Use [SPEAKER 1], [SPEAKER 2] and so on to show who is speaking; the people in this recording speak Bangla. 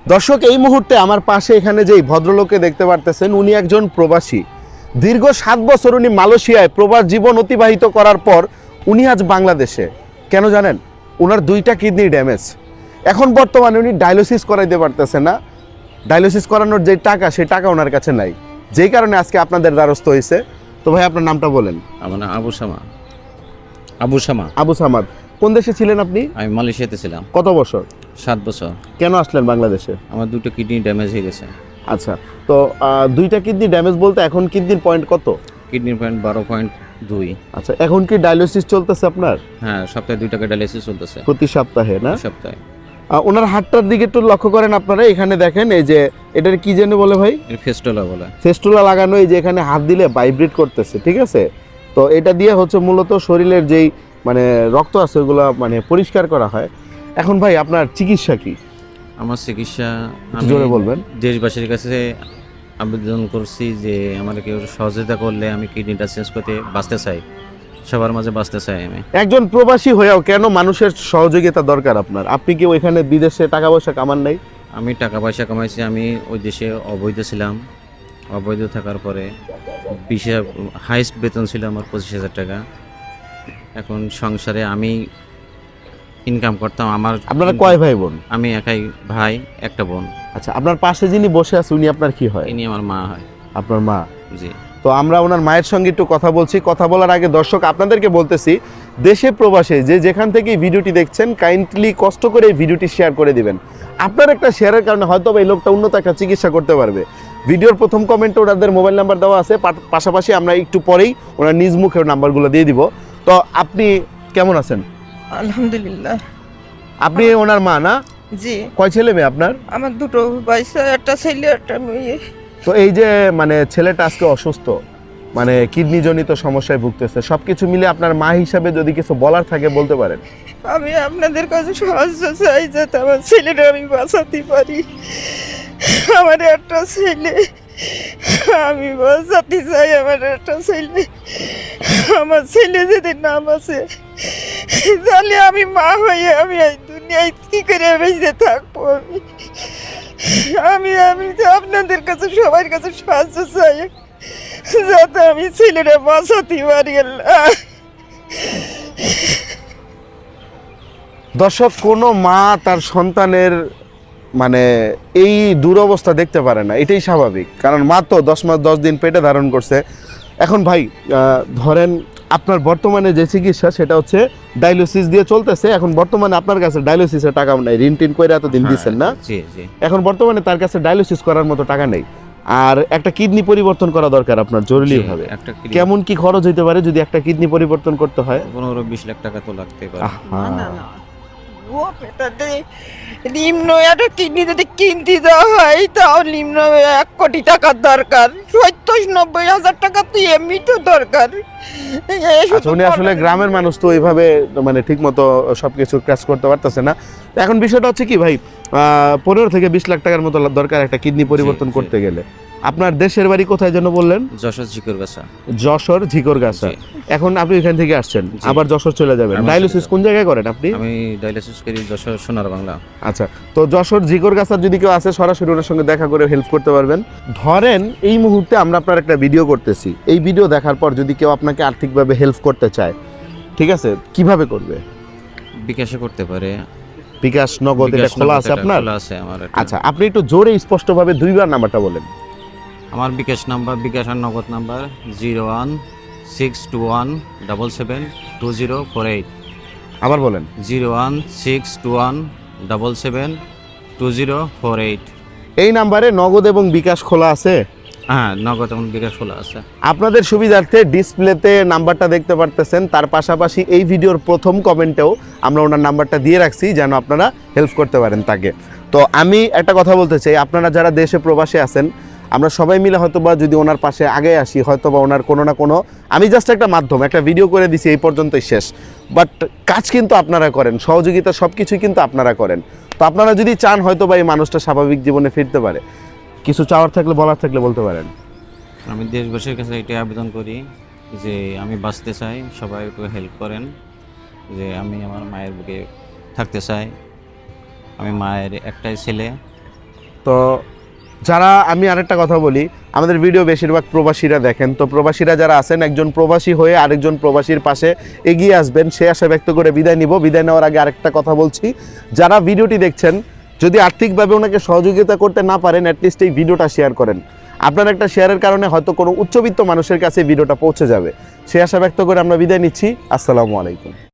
[SPEAKER 1] দর্শক, এই মুহূর্তে আমার পাশে এখানে যে ভদ্রলোককে দেখতে পারতেছেন, উনি একজন প্রবাসী। দীর্ঘ 7 বছর উনি মালয়েশিয়ায় প্রবাস জীবন অতিবাহিত করার পর উনি আজ বাংলাদেশে। কেন জানেন? ওনার 2টা কিডনি ড্যামেজ। এখন বর্তমানে উনি ডায়ালিসিস করাইতে পারতেছে না। ডায়ালিসিস করানোর যে টাকা, সেই টাকা ওনার কাছে নাই, যেই কারণে আজকে আপনাদের দ্বারস্থ হয়েছে। তো ভাই, আপনার নামটা বলেন।
[SPEAKER 2] আমার নাম আবু শামা। আবু শামা।
[SPEAKER 1] আবু সামাদ। কোন দেশে ছিলেন আপনি?
[SPEAKER 2] আমি মালয়েশিয়াতে ছিলাম।
[SPEAKER 1] কত বছর?
[SPEAKER 2] 7 বছর।
[SPEAKER 1] কেন আসলেন বাংলাদেশে?
[SPEAKER 2] আমার 2টো কিডনি ড্যামেজ হয়ে গেছে।
[SPEAKER 1] আচ্ছা, তো 2টা কিডনি ড্যামেজ বলতে এখন কিডনির পয়েন্ট কত?
[SPEAKER 2] কিডনির পয়েন্ট 12.2।
[SPEAKER 1] আচ্ছা, এখন কি ডায়ালিসিস চলতেছে আপনার?
[SPEAKER 2] হ্যাঁ, সপ্তাহে 2 টাকা ডায়ালিসিস চলতেছে।
[SPEAKER 1] প্রতি সপ্তাহে না?
[SPEAKER 2] সপ্তাহে।
[SPEAKER 1] ওনার হাতটার দিকে একটু লক্ষ্য করেন আপনারা। এখানে দেখেন, এই যে এটার কি যেন বলে ভাই?
[SPEAKER 2] ফেস্টোলা বলে।
[SPEAKER 1] ফেস্টুলা লাগানো। এই যে এখানে হাত দিলে ভাইব্রেট করতেছে, ঠিক আছে? তো এটা দিয়ে হচ্ছে মূলত শরীরের যেই মানে রক্ত আছে ওগুলো মানে পরিষ্কার করা হয়। এখন ভাই, আপনার চিকিৎসা কি?
[SPEAKER 2] আমার চিকিৎসা
[SPEAKER 1] একটু জোরে বলবেন।
[SPEAKER 2] দেশবাসীর কাছে আবেদন করছি যে আমার কেউ সহযোগিতা করলে আমি কিডনিটা চেঞ্জ করতে বাঁচতে চাই, সবার মাঝে বাঁচতে চাই আমি।
[SPEAKER 1] একজন প্রবাসী হয়েও কেন মানুষের সহযোগিতা দরকার আপনার? আপনি কি ওইখানে বিদেশে টাকা পয়সা কামান নাই?
[SPEAKER 2] আমি টাকা পয়সা কামাইছি। আমি ওই দেশে অবৈধ ছিলাম। অবৈধ থাকার পরে হাইস্ট বেতন ছিল আমার 25,000 টাকা। এখন সংসারে আমি ইনকাম করতাম।
[SPEAKER 1] আপনারা কয় ভাই বোন?
[SPEAKER 2] আমি একাই ভাই, একটা বোন।
[SPEAKER 1] আচ্ছা, আপনার পাশে যিনি বসে আছে উনি আপনার কি হয়?
[SPEAKER 2] ইনি আমার মা হয়।
[SPEAKER 1] আপনার মা?
[SPEAKER 2] জি।
[SPEAKER 1] তো আমরা ওনার মায়ের সঙ্গে একটু কথা বলছি। কথা বলার আগে দর্শক, আপনাদেরকে বলতেছি, দেশে প্রবাসে যে যেখান থেকে এই ভিডিওটি দেখছেন, কাইন্ডলি কষ্ট করে এই ভিডিওটি শেয়ার করে দিবেন। আপনার একটা শেয়ারের কারণে হয়তো এই লোকটা উন্নত একটা চিকিৎসা করতে পারবে। ভিডিওর প্রথম কমেন্টে ওনাদের মোবাইল নাম্বার দেওয়া আছে, পাশাপাশি আমরা একটু পরেই ওনার নিজ মুখের নাম্বারগুলো দিয়ে দিব। তো আপনি কেমন আছেন?
[SPEAKER 3] আলহামদুলিল্লাহ।
[SPEAKER 1] আপনি ওনার মা না?
[SPEAKER 3] জি,
[SPEAKER 1] কয় ছেলে মেয়ে আপনার?
[SPEAKER 3] আমার 2টো বাইসা, একটা ছেলে একটা মেয়ে।
[SPEAKER 1] তো এই যে মানে ছেলেটা আজকে অসুস্থ, মানে কিডনি জনিত সমস্যায় ভুগতেছে, সবকিছু মিলে আপনার মা হিসাবে যদি কিছু বলার থাকে বলতে পারেন।
[SPEAKER 3] আমি আপনাদের কাছে সাহায্য চাই যাতে আমার ছেলেটা আমি বাঁচাতে পারি। আমার একটা ছেলে, আমি বাঁচাতে চাই আমার একটা ছেলে। আমার ছেলে যদি নাম আছে, তাহলে আমি মা হয়ে আমি এই দুনিয়ায় কি করে বেঁচে থাকবো? আমি আমি তো আপনাদের কাছে সবার কাছে সাহায্য চাই যাতে আমি ছেলেটা বাঁচাতে পারি। আল্লাহ।
[SPEAKER 1] দর্শক, কোনো মা তার সন্তানের মানে এই দুরবস্থা দেখতে পারে না, এটাই স্বাভাবিক। কারণ মা তো 10 মাস 10 দিন পেটে ধারণ করছে। এখন ভাই, ধরেন আপনার বর্তমানে যে চিকিৎসা সেটা হচ্ছে ডায়ালিসিস দিয়ে চলতেছে। এখন বর্তমানে আপনার কাছে ডায়ালিসিসের টাকা নাই, ঋণ টিন করে এতদিন দিচ্ছেন না?
[SPEAKER 2] জি জি।
[SPEAKER 1] এখন বর্তমানে তার কাছে ডায়ালিসিস করার মতো টাকা নেই, আর একটা কিডনি পরিবর্তন করা দরকার আপনার জরুরিভাবে।
[SPEAKER 2] একটা
[SPEAKER 1] কেমন কি খরচ হইতে পারে যদি একটা কিডনি পরিবর্তন করতে হয়?
[SPEAKER 2] 15-20 লাখ টাকা তো লাগতে পারে।
[SPEAKER 1] আহা।
[SPEAKER 3] ও পেটাতে নিম্ন একটা কিডনি যদি কিনতে দেওয়া হয় তাও নিম্ন 1 কোটি টাকার দরকার। 70-90 হাজার টাকা তো এমনি তো দরকার।
[SPEAKER 1] আচ্ছা, উনি আসলে গ্রামের মানুষ, তো এইভাবে মানে ঠিক মতো সবকিছু ক্র্যাশ করতে পারতেছে না। তো এখন বিষয়টা হচ্ছে কি ভাই, 15 থেকে 20 লাখ টাকার মতো দরকার একটা কিডনি পরিবর্তন
[SPEAKER 2] জি।
[SPEAKER 1] করতে গেলে। আপনার দেশের বাড়ি কোথায় যেন বললেন?
[SPEAKER 2] যশোর ঝিকরগাছা।
[SPEAKER 1] যশোর ঝিকরগাছা।
[SPEAKER 2] জি।
[SPEAKER 1] এখন আপনি এখান থেকে আসছেন,
[SPEAKER 2] জি।
[SPEAKER 1] আবার যশোর চলে যাবেন।
[SPEAKER 2] আবার
[SPEAKER 1] ডায়ালিসিস
[SPEAKER 2] চলে
[SPEAKER 1] কোন জায়গায় করেন আপনি?
[SPEAKER 2] আমি ডায়ালিসিস করি যশোর সোনার বাংলা।
[SPEAKER 1] আচ্ছা, তো যশোর ঝিকরগাছার যদি কেউ আসে, সরাসরি ওনার সঙ্গে দেখা করে হেল্প করতে পারবেন। ধরেন এই মুহূর্তে আমরা আপনার একটা ভিডিও করতেছি, এই ভিডিও দেখার পর যদি কেউ আপনাকে আর্থিকভাবে হেল্প করতে চায়, ঠিক আছে, কিভাবে করবে?
[SPEAKER 2] বিকাশে করতে পারে।
[SPEAKER 1] বিকাশ, নগদ, এটা খোলা আছে আপনার?
[SPEAKER 2] খোলা আছে আমার এটা।
[SPEAKER 1] আচ্ছা, আপনি একটু জোরে স্পষ্টভাবে 2বার নাম্বারটা বলেন।
[SPEAKER 2] আমার বিকাশ নাম্বার, বিকাশ আর নগদ নাম্বার 01621772048।
[SPEAKER 1] আবার বলেন।
[SPEAKER 2] 01621772048।
[SPEAKER 1] এই নাম্বারে নগদ এবং বিকাশ খোলা আছে?
[SPEAKER 2] হ্যাঁ, নগদ এবং বিকাশ খোলা আছে।
[SPEAKER 1] আপনাদের সুবিধার্থে ডিসপ্লেতে নাম্বারটা দেখতে পারতেছেন, তার পাশাপাশি এই ভিডিওর প্রথম কমেন্টেও আমরা ওনার নাম্বারটা দিয়ে রাখছি যেন আপনারা হেল্প করতে পারেন তাকে। তো আমি একটা কথা বলতে চাই, আপনারা যারা দেশে প্রবাসে আছেন, আমরা সবাই মিলে হয়তোবা যদি ওনার পাশে আগে আসি, হয়তোবা ওনার কোনো না কোনো, আমি জাস্ট একটা মাধ্যম, একটা ভিডিও করে দিছি, এই পর্যন্তই শেষ। বাট কাজ কিন্তু আপনারা করেন, সহযোগিতা সব কিছুই কিন্তু আপনারা করেন। তো আপনারা যদি চান হয়তোবা এই মানুষটা স্বাভাবিক জীবনে ফিরতে পারে, কিছু চাওয়ার থাকলে, বলার থাকলে বলতে পারেন।
[SPEAKER 2] আমি দেশবাসীর কাছে এটাই আবেদন করি যে আমি বাঁচতে চাই, সবাই একটু হেল্প করেন। যে আমি আমার মায়ের বুকে থাকতে চাই। আমি মায়ের একটাই ছেলে,
[SPEAKER 1] তো যারা, আমি আরেকটা কথা বলি, আমাদের ভিডিও বেশিরভাগ প্রবাসীরা দেখেন, তো প্রবাসীরা যারা আছেন একজন প্রবাসী হয়ে আরেকজন প্রবাসীর পাশে এগিয়ে আসবেন, সে আশা ব্যক্ত করে বিদায় নিব। বিদায় নেওয়ার আগে আরেকটা কথা বলছি, যারা ভিডিওটি দেখছেন যদি আর্থিকভাবে ওনাকে সহযোগিতা করতে না পারেন, অ্যাটলিস্ট এই ভিডিওটা শেয়ার করেন। আপনার একটা শেয়ারের কারণে হয়তো কোনো উচ্চবিত্ত মানুষের কাছে ভিডিওটা পৌঁছে যাবে। সে আশা ব্যক্ত করে আমরা বিদায় নিচ্ছি। আসসালামু আলাইকুম।